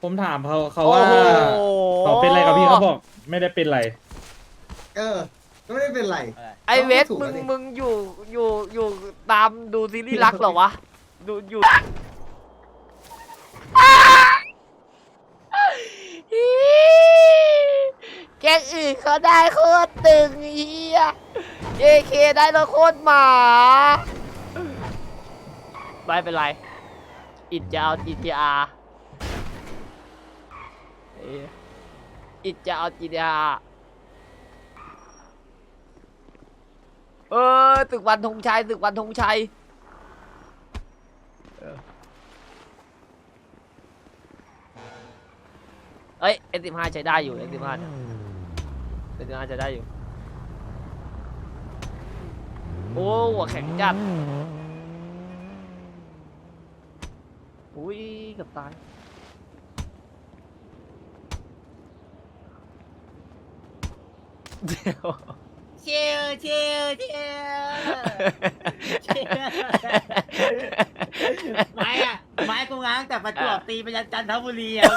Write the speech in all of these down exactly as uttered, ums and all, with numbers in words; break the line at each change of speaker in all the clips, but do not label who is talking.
ผมถามเขาเขาว่าเขาเป็นอะไรกับพี่เขาบอกไม่ได้เป็นไร
เออก็ไม่ได้เป็นไร
ไอเวสมึงมึงอยู่อยู่อยู่ตามดูซีรีส์รักเหรอวะดูอยู่แกงอื่นเขาได้โคตรตึงเฮียเจเคได้แล้วโคตรหมาไม่เป็นไรอิดจะเอา จี ที อาร์ อิดจะเอา จี ที อาร์ เออตึกวันธงชัยตึกวันธงชัยเอ้ยเอ็นสิบห้าใช้ได้อยู่เอ็นสิบห้าเนี่ยเอ็นสิบห้าใช้ได้อยู่โอ้หัวแข็งจัดอุ้ยเกับตายเดี๋ยว
เชียวเชียวเชียวไม้อะไม้กูง้างแต่ประจวบตีไปยันจันทบุรีอะ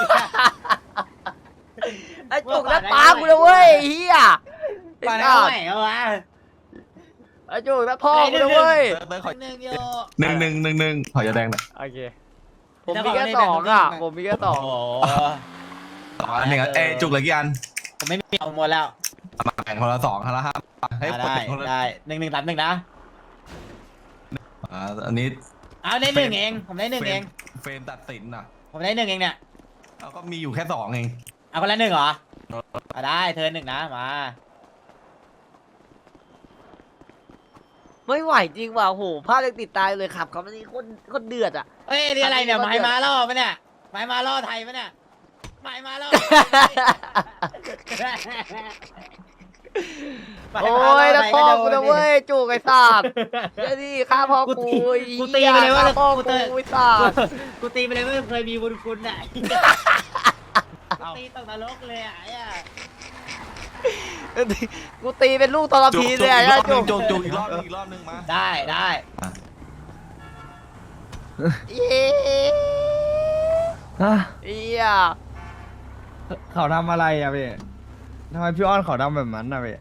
ไอ้จุกแล้วปากูเลยเว้ยเฮีย
ปาได้เท่าไหร่เอาวะ
ไอ้จุกแล้วพ่อกูเลยเว้ย
หนึ่งโย
หนึ่งหนึ่งหนึ่งหนึ่งขอยาแดงหน่อย
โอเคผมมีแค่สองอ่ะผมมีแค่สอง
โอ้
สองอันหนึ่งเอ้จุกเหลือกี่อัน
ผมไม่มีเอาหมดแล้ว
มาแบ่งคนละสองคนละห้าให้
ได้
คนละ
ได้หนึ่งหนึ่งสามหนึ่งนะ
อ่าอันนี้
เอาได้หนึ่งเองผมได้หนึ่งเอง
เฟรมตัดสินอ่ะ
ผมได้หนึ่งเองเนี่ย
แล้วก็มีอยู่แค่สองเอง
เอาคนละหนึ่งเหรอเอาได้เธอหนึ่งนะมา
ไม่ไหวจริงว่ะโหพลาดเลยติดตายเลยขับเขาไม่นี่คนคนเดือดอ่ะ
เฮ้ยนี่อะไรเนี่ยไม้มาล่อปะเนี่ยไม้มาล่อไทยปะเนี่ยไม้มาล่อ
โอ้ยแล้วพ่อกูนะเว้ยจุกไอ้สัตว์เดี๋ยวนี่ฆ่าพ่อกู
กูตีไปเลยว่า
ฆ่พ่อ
กู
กู
เตะ
ไอ้สัตว์
กูตีไปเลยว่าเคยมีบุญคุณอ่ะตีตกนรกเลยอ่ะไอ้
กูตีเป็นลูกตอรพีเลย
อีกร
อ่ะ
อบห
จุ
นึ่ง
ก
จุกจุกอีกรอบหนึงอีกรอบหนึงมา
ได้ได้
เย้เอี้ย
เขาทำอะไรอะพี่ทำไมพี่อ้อนเขาทำแบบนั้นอะพี่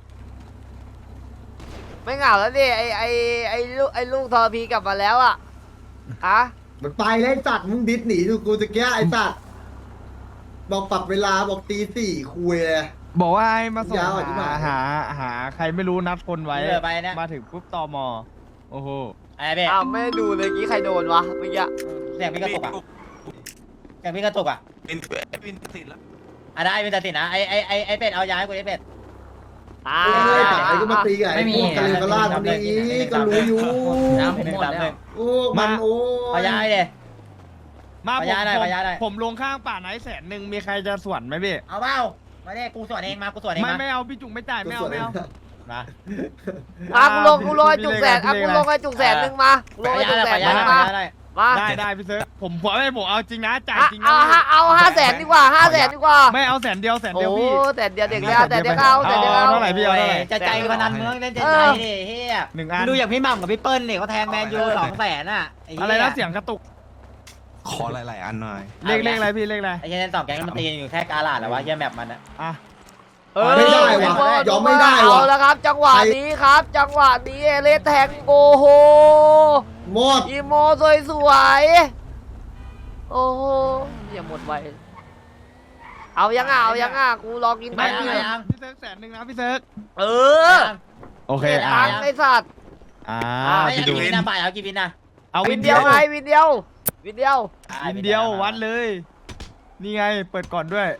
ไม่เหงาแล้วดิไอไอไอลูกไอลูกตอรพีกลับมาแล้วอ่ะอะ
มันไปแล้วไอ้สัตว์มึงดิสหนีดูกูตะเกียไอ้สัตว์บอกปรับเวลาบอกตีสี่คุยเลย
บอกว่าให้มาส่ง
ยาวอ่ะที่
หา
บ้าน
หาหาใครไม่รู้นัดคนไว้
เรือไปเนี่ย
มาถึงปุ๊บตมโอ้โห
ไอ้เบ๊
อ้าวไม่ได้ดูเลยกี้ใครโดนวะเมื่อกี้
เสียงพี่กระตุกอ่ะเสียงพี่กระตุกอ่ะ
เป็นเป็นตัดสินแล้ว
อ่ะได้เป็นตัดสินนะไอไอไอไอเป็ดเอายาให้กูไอเป็ด
อ่า
ไอ้สายก็มาตีกับไอ้พวกกะเลกะลาดคนนี้ก็รู้อยู่
น้ำผมหมดแล้ว
โอ้มันโอ้
เอายาให้เลย
มา
ข
ผ
อ
ม
ย้ายหน่อย
ผม
ขอย้ายหน่อย
ผมลงข้างป่าไหนแสนหนึ่งมีใครจะสวนไหมพี่
เอาเปล่ามาเนี่ยกูสวนเองมากูสวนเอง
ไม่
มา
ไม่เอาพี่จุกไม่จ่ายไม่เอาไม่เอา
มา
อ่ะกูลงกูลงไอ้จุกแสนอ่ะกูลงไอ้จุกแสนหนึ่งมาลงไอ้จุกแสนหนึ่งมามา
ได้ได้พี่เซิร์ฟผมผมไม่ผมเอาจริงนะจ่าย
อ่ะ
จริงนะ
เอาห้าเอาห้าแสนดีกว่าห้าแสนดีกว่า
ไม่เอาแสนเดียวแสน
โอ้
เดียวพี่
แต่เดียวเด็กแล้วแต่เดียวเอาแต่เดียว
เอา
เอา
เท่าไหร่พี่เอาเท่าไหร่
จะใจพนันมึงต้องเล่นใจใจดิเฮีย
หนึ่งอัน
ดูอย่างพี่หม่ำกับพี่เปิ้ลเนี่ยเขาแทงแมนยูสองแสนอ่ะ
อะไรนะเสียงกระตุก
ขอหลายๆอันหน่อย
เลขเลขอะไรพี่เลขอะไร
ไอ้เฮียเล่นสองแก๊งมันตีอยู่แค่กาลาดแล้ววะเฮียแมปมันอ่ะ
อ่ะ
เออ
ไม่ได้วะยอมไม่ได้วะ
เอาแล้วครับ จังหวะนี้ครับ จังหวะนี้เอเลสแทงโอ้โห
หมด
อีโมสวยสวยๆโอ้โหอย่าหมดไวเอายังอ่ะเอายังอ่ะกูรอกิน
ไม่
แป๊บ
เอา
เดียว
ยัง
พี่เซิร์ฟแสนหนึ่งนะพี่เซิร์ฟ
เออ
โอเค
เจ็ด
อ่ะ
ตังค์ไอ้สัตว์
อ่า
ไม่เอากี่วินนะบ่ายเอากี่วินนะ
เอา
วิ
วิ
น
น
เดี
เดี
ย
ยว ว
ไงวินเดียว วินเดียว
วินเดียววัดเลย นี่ไงเปิดก่อนด้วย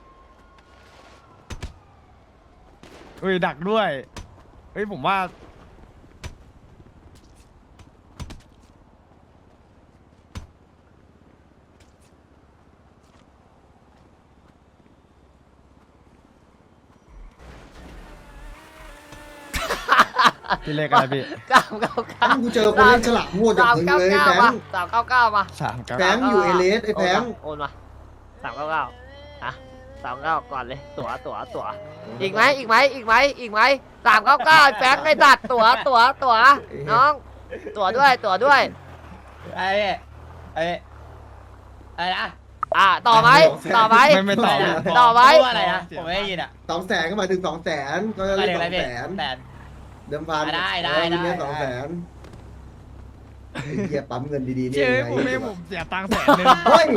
เฮ้ยดักด้วยเฮ้ยผมว่าพี่เลขอะไรพี่
เก้าเก้าเก้า
กูเจอคนเล่นฉลาดมั่วจาก
สาม
มึง
เก้า
เลย
เก้า
แฟ
มาง สามเก้าเก้ามา
สามเก้า
แฟงอยู่เอเลสไอ้แฟง
โอนมาสามเก้าเก้าอ่ะสามเก้าก่อนเลย ตั๋วตั๋วตั๋วอีกไหมอีกไหมอีกไหมอีกไหมสามเก้าเก้าแฟงไอ้สัตว์ตั๋วตั๋วตั๋วน้อง ตั๋วด้วยตั๋วด้วย
ไอ้ไอ้ไอ้นะ
อ่ะต่อไหมต่อไหม
ไม่ไม่ต่อ
ต่อไหม
พูดว่าอะไรนะผมไม่ได้ยินอ่ะ
สองแสนก็หมายถึงสองแสนก็จะ
อะไร
เรียก
อะไร
สอง
พี่
แสน
แต่
เดิมพัน
ได้ได้
เออวินเนี้ย
ได้
สองแสนไอ้เหี้ยปั๊มเงินดีๆนี่
เชื่อ
ยังไง
ผมไม่ผมเสียตังค์แสนหนึ่ง
เฮ้ย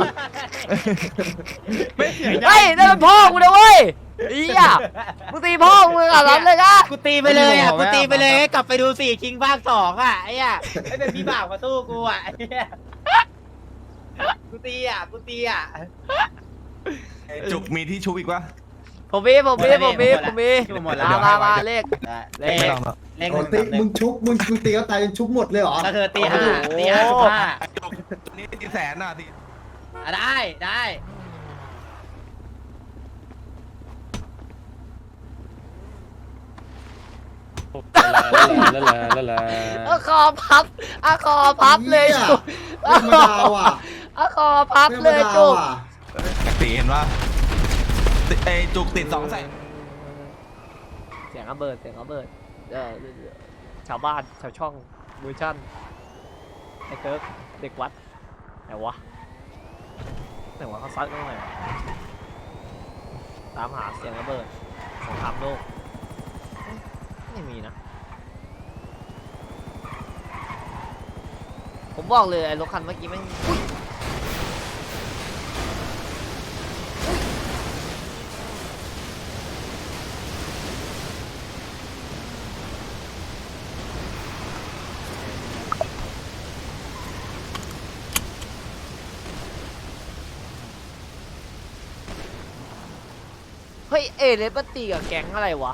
ไม่เสีย
เฮ้ยนั่นมันพ่อกูนะเว้ยเฮียมึงตีพ่อมึงอ่ะรับเลยนะ
กูตีไปเลยอ่ะกูตีไปเลยกลับไปดูสี่คิงภาคสองอ่ะไอ้อ่ะไอ้เป็นพี่บ่าวมาสู้กูอ่ะไอ้เหี้ยกูตีอ่ะกูตีอ่ะ
ไอ้จุกมีที่ชุบอีกวะ
ผมมีผมมีผมมีผมมี
หมดแล้ว
มามามาเลข
เล
ไม่
ข
ต้องหรอก
เลขห
โอ้
นึ่ง
ตีมึงชุบมึงมึงตีเขาตายจนชุบหมดเลยเหรอ
ก็คือตีห้าตีห้าสิบห้า
ไอ้จุกตัวนี้ตีแสนน่ะตี
อ่ะได้ได้
ละละละละ
อะคอพับอะคอพับเลย
หี้
จุก
ไม่ธรรมดาว่ะ
อะคอพับ
ไม่ธรรม
เลย
ดา
จุก
ว่ะ
ตีเห็นว่าไอ้จุกติดสองแสน
เสียงระเบิดเสียงระเบิดเออชาวบ้านชาวช่องเวอร์ชั่นไอ้เติร์กเด็กวัดไหนวะไหนวะเขาซัดกันไหนวะตามหาเสียงระเบิดสงครามโลกไม่มีนะผมบอกเลยไอ้รถคันเมื่อกี้แม่งอุ๊ยเฮ้ยเอเลสมันตีกับแก๊งอะไรวะ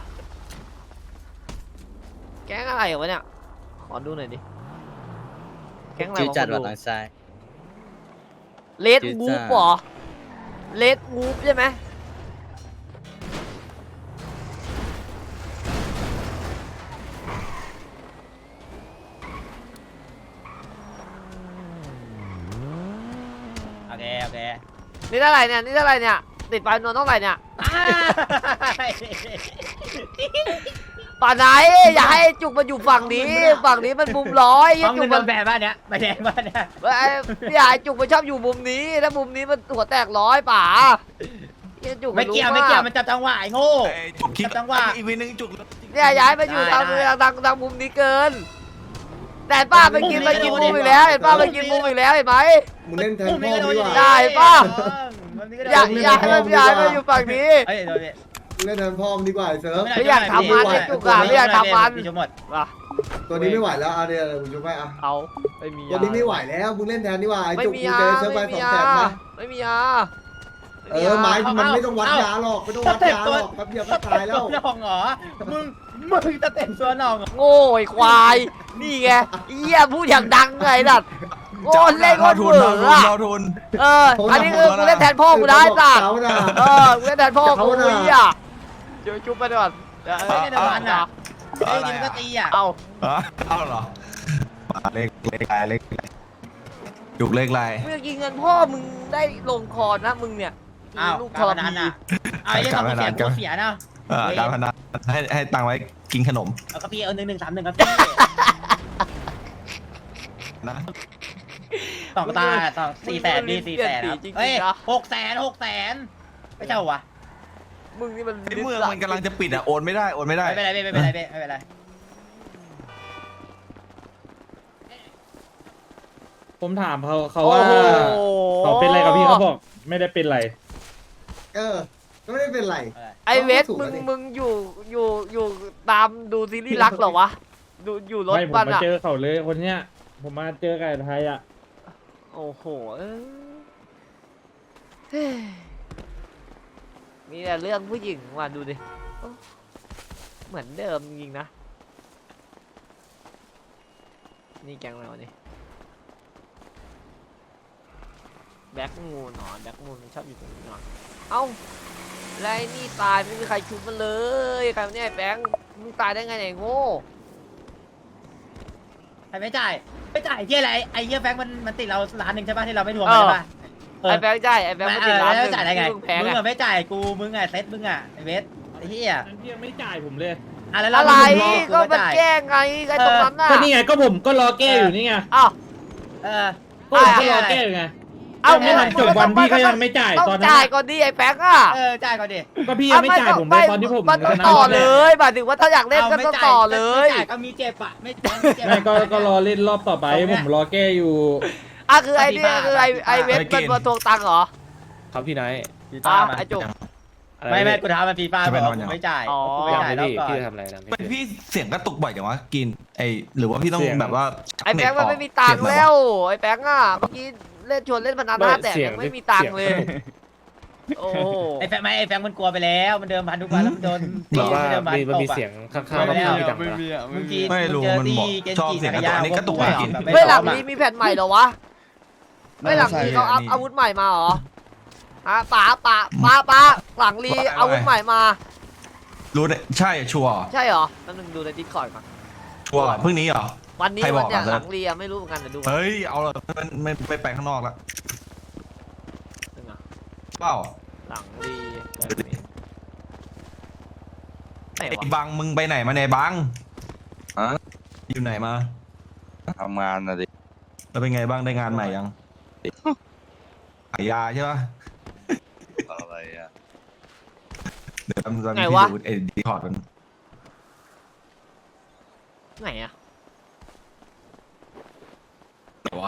แก๊งอะไรวะเนี่ย ขอดูหน่อยดิ แก๊งอะไร
จืด
วะ
จัด
ขอ
ว่ะทางซ้าย
เลด
จืด
วู
จ้า
ฟเหรอเลดวูฟใช่ไหม
โอเคโอเค
นี่เท่าไหร่เนี่ย นี่เท่าไหร่เนี่ย ติดปลายนวลเท่าไหร่เนี่ยป่านไหนอย่าให้จุกมาอยู่ฝั่งนี้ ฝั่งนี้มันมุมร้อย
ห้อง
จุ
เงิ
ก
นโด
มัน
นแบนบ้านเนี้ยใบแดงบ้านเนี้ย
เอ้ยพี่ใหญ่จุกมันชอบอยู่มุมนี้ถ้ามุมนี้มันหัวแตกร้อยป่าเหี้ยจุก
ไม่
นรู้
เกี่ยวไม่เกี่ยวมันจับจังหวะไอ้โง่
ไอ้จุกคิด
จังหวะ
อีกวีนึงจุก
เนี่ยย้ายมาอยู่ทาง
ได้ได้
ทางทางทางมุมนี้เกิน แต่ป้าไปกินไปกินมุมอีกแล้วเห็นป้าไปกินมุมอีกแล้วเห็นไหม
มึงเล่นแทนพ่อดีกว่า
ได้ป่ะ
มันนี่ก็โดน
อยากอยากให้มันย้ายมาอยู่ฝั่งนี้
เอ้ยโดนดิ
มึงเล่นแทนพ่อมึงดีกว่าไอ้เซิร์ฟ
ไม่อยากทำมันไอ้จุกอะไม่อยากทำมัน
พี่ชมหมด
ว่ะ
ตัวนี้ไม่ไหวแล้วเอาเดี๋ยวมึงชุบให้อ่ะ
เอาไม่มี
ตัวนี้ไม่ไหวแล้วมึงเล่นแทนดีกว่าไอ้
ไม่
จุก
มี
มึง
ยา
เจอเซิร์ฟไป
ไม่
ส
มี
อง
ยา
แสนมา
ไม่มียา
เออไม้มันไม่ต้องวัดยาหรอกไม่ต้องวัดยาหรอกแป๊บเดียวก็ตายแล้ว
ตัวหนองเหรอ มึง มึงจะเต็มตัวหนองเหรอ
โง่ไอ้ควาย นี่ไงเหี้ยพูดอย่างดังไงดัดโง่เล่นโคตร
ทุ
เบื่
น
อ
รอ
อะ
ทุนรอทุน
เออ อันนี้คือกูเล่นแทนพ่อกูได้สัตว์
เขาน่ะ
เออกูเล่นแทนพ่อกู
เขาน่ะ
เหี้ยเดี๋ยวจุ๊บไปก่อนเดี๋ยว
ไม่ได้โดนมันอ่ะ
เอา
ไอ้
อะไร
ยิงก็
อ่ะ
ตีอ่ะ
เอา
ฮะเอาเหรอมาเลขเลขอะไรเลขอะไรจุกเลขอะไร
เมื่อกี้เงินพ่อมึงได้ลงคอนะมึงเนี่ย
อ้าว
ลูกท
การ
ร
พนัน
พี
อ่ะเอาไอ้เรื่องของเสียกูเสียนะ
เอ่อการพนันให้ให้ตังค์ไว้กินขนม
เอากระพี่เอาหนึ่งหนึ่งสามหนึ่งกระพี่
นะ
สองตาสองสี่แสนดีสี่แสนครับเฮ้ยหกแสนหกแสนไม่เจ้าวะ
มึงนี่มัน
ไอ้เมืองมันกำลังจะปิดอ่ะโอนไม่ได้โอนไม่ได้
ไม่เป็นไรไม่เป็นไรไม่เป็นไร
ผมถามเขาเขา
โอ้
ว่า
โห
เขาเป็นอะไรกับพี่เขาบอกไม่ได้เป็นไร
เออก็ไม่ได้เป็นไร
ไอเวส
ถูก
มึ
แล้ว
ง
ดิ
มึงอยู่อยู่อยู่ตามดูซีรีส์รักเหรอวะดูอยู่รถ
ไม่ผม
มัน
มา
อะ
เจอเขาเลยคนเนี้ย ผมมาเจอกับไอ้ไทยอ่ะ
โอ้โหเอ้ยเฮ้ยมีแต่เรื่องผู้หญิงว่ะดูดิโอ้เหมือนเดิมจริงๆนะนี่แกงเรานี่แบ็กมูนหนอนแบ็กมูนมันชอบอยู่ตรงนี้หนอนเอ้าแล้วไอ้นี่ตายไม่มีใครชุบมันเลยใครเนี่ยแบงค์มึงตายได้ไงเนี่ยโง่
ใครไม่จ่ายไม่จ่ายที่อะไรไอ้เหี้ยแฟงมันมันติดเราล้านหนึ่งใช่ป่ะที่เราไม่ทวงมันใช่ป่ะ
ไอ้แบงค์ใช่ไอ้แบงค์มันติดร้านห
แล้ว
นึ่ง
จ่ายได้ไง
ที่มึงแพ้
มึง
ไง
อะไม่จ่ายกูมึงอะเซ็ตมึงอะไอ้เวสไอ้เหี้ย
นั่นพี่ยังไม่จ่ายผมเลย
อะแล้ว
อะไร
มึง
ก็
รอ
มัน
จ่าย
แก้ไงไอ้ตรงนั้นน่ะ
ก็นี่ไงก็ผมก็รอแก้อยู่นี่ไง
อ้าว
เออ
ก็ผมก็รอแก้อยู่ไง
เอ้า
ไม่ทันจบวันพี่ก็ยังไม่จ่าย
ต้อง
ตอนนั้น
จ่ายก่อนดิไอ้แฟงอ่ะ
เออจ่ายก่อนดิ
ก็พี่ยังไม่จ่ายผมเลยตอนที่ผม
มันต้อง
ชนะ
ต่อ
รบแร
เล
ก
ยหมายถึงว่าถ้าอยากเล่นก็ต้องต่อเลย
ไม่จ่ายก็มีเจ็บอะไม่ไม่เจ็บ
ไม่ก็ก็รอเล่นรอบต่อไปผมรอแก้อยู่
อ่ะคือไอ้นี่คือไอ้ไอ้เวทมันมาทวงตังค์เหรอ
ครับพี่ไนท์
ฟี
อ่ะ
ฟ่ามา
ไอ้จุก
อะไร
ไม่ไม่
พี่
กูท้ามันฟีฟ่าบอกว่ากูไม่จ่าย
อ๋อ
กูไม่
ยัง
จ่าย
ไม่
แล้ว
พี่
ก่อน
พี่ทำอะไรนะ
เป็นพี่เสียงกระตุกบ่อยจังวะกินไอหรือว่าพี่ต้อง
เสียง
แบบว่า
ไอ้แฟงมันไม่มีตังค์แล้ว ไอ้แฟงอ่ะเมื่อกี้เล่นชวนเล่นพนันห้าแต่ยังไม่มีตังค์เลย โอ้โห
ไอ้แฟงไม่ไอ้แฟงมันกลัวไปแล้วมันเดิมพันทุกวันแล้วมันโดน
บ
ตี
อกว่า
มันเดิมพัน
มีมัน
ต
มี
บอะ
เสียงข้างๆก็ไม่มีตังค์นะ
มึงกิน
ไม่รู้
งเจอ
มัน
ตี
บอก
เกน
ชอบ
จิ
เสียงก
จั
ระ
กร
ตุก
ยาน
อันนี้กระตุก
พว
กิน
แบบ
เฮ้ยหลัง
ไม่
นี้มีแผ่นใหม่เหรอวะเฮ้ยหลังนี้เขาอัพอาวุธใหม่มาเหรอฮะป๋าป๋าป๋าป๋าหลังรีอาวุธใหม่มา
รู้เนี่ยใช่ชัวร์
ใช่เหรอนั่นนึงดูในดิสคอร์ดมา
ชัวร์เพิ่งนี้เหรอ
วันนี้
ใครบ
วั
อน ก
เนี้ย
อ่ะ
หลังรีอะไม่รู้เหมือนกันเดี๋ยวดูก่อน
เฮ้ยเอาเลยไม่ไม่ไม่ไปข้างนอกละ
นึงอะ
เปล่า
หลังรีไหน
ไอ้
วะ
บังมึงไปไหนมาเนี่ยบัง
ฮะ
อยู่ไหนมา
ทำงานนะดิ
แล้วเป็นไงบ้างได้งานใหม่ยังขายยาใช่ปะ
อะไรอ่ะ
เดี๋ยวทำทำ
ไง
ที่
วะ
ดูไอ้ดีคอร์ดมัน
ไหนอะ
ไหนวะ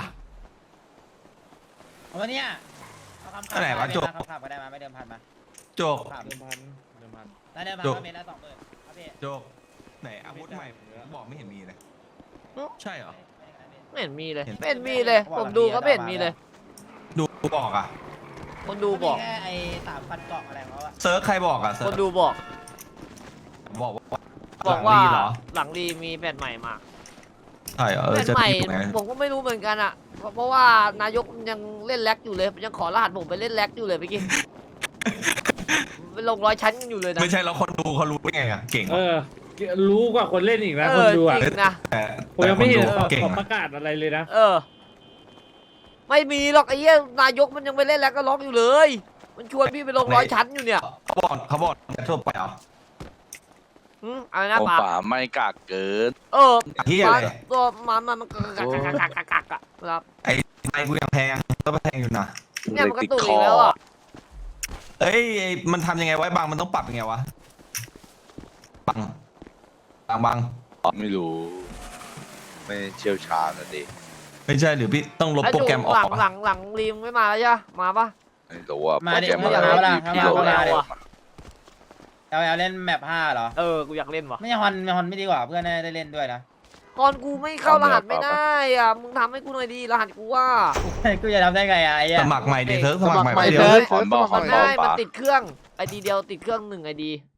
เอาวันเนี้ยเอาคำ
อันไหนวะจบ
คำขับก็ได้มาไม่เดิมพันมา
โจก
ขับ
เดิมพันเดิมพัน
แล้วเดิมพัน
จบ
ก็เมตรละสองหมื่นครับพี่
โจกไหนอาวุธใหม่บอกไม่เห็นมีเลยใช่เหรอ
ไม่เห็นมีเลย
เห็น
ไม่เห็นมีเลย ผมดูก็ไม่เห็นมีเลย
ดูบอกอ่ะ
คนดูบอก
มีแค่ไอ้สามพันกล่องอะไรของเขาอะ
เซิร์ชใครบอกอ่ะเซิ
ค
ร์
น
ช
ดูบอก
บอกว่า
บอกว่า
หลังดีเหรอ
หลังรีมีแผ่นใหม่มา
ใช่เหรอเออ
แผ่น
จะ
ใหม่
ผิดไหม
ผมก็ไม่รู้เหมือนกันอะเพราะเพราะว่านายกยังเล่นแล็กอยู่เลยยังขอรหัสผมไปเล่นแล็กอยู่เลยเมื่อกี้ ไปลงร้อยชั้นกันอยู่เลยนะ
ไม่ใช่แล้วคนดูเขารู้ได้ไงอ่ะเก่ง
เอ
ว่ะ
อ รู้กว่าคนเล่นอีกนะ
เอ
คน
อ
ดูอ่ะ
จริงนะ
แต่
ผมยังไม่เห็น
แต่คดูเขาเก่ง
เขาป
อะ
ระกาศอะไรเลยนะ
เออ ไม่มีหรอกไอ้เหี้ยนายกมันยังไปเล่นแล็กก็ล็อกอยู่เลย มันชวนพี่ไปลงร้อยชั้นอยู่เนี่ย
เขาบอกเขาบอกจะทั่วไปเหรอ
อืมอะไรนะ
โอ้
ป๋า
ป่าไม่กากเกิน
เออ
เฮีย
ป๋า
อะไร
ตัวมันมันมันกักกักกักกักกักกักอะครับ
ไอ้ไอ้กูยังแพงก็แพงอยู่นะ
เนี่ยมันกระตุกอีกแล้วอ่ะ
เอ้ยไอ้มันทำยังไงไว้บางมันต้องปรับยังไงวะบังบางบาง
ไม่รู้ ไม่เชี่ยวชาญนะดิ
ไม่ใช่หรือพี่ต้องลบ
ไอ้
โปร
จุ
แกรมออ
หลั
ก
ง
วะ
หลังหลังรีมไม่มาแล้วใช่ปะมาปะ
ไม่รู้ว่า
มา
โปร
ดิ
แกรม
มา
อะไร
ดิมาดิ
พี่
มา
โหล
ดิ
ด
มาดิ
แล้ว
เอาเอาเล่นแมปห้าเหรอ
เออกูอยากเล่นว่ะ
ไม่ใช่ฮอนไม่ฮอนไม่ดีกว่าเพื่อนได้เล่นด้วยนะ
ก่อนกูไม่เข้ารหัสไม่ได้อ่ะมึงทำให้กูหน่อยดีรหัสกูว่า
กูจะทำได้ไงอะไอ้เหี้ย
สมัครใหม่ดิเซิร์ฟสมัครใหม่
สมัครใหม่
เดียว
เซิร์ฟ
มันบอก
มัน
บ
ได้
อก
มัน
ปะ
ติดเครื่องไอดีเดียวติดเครื่องหนึ่งไอดี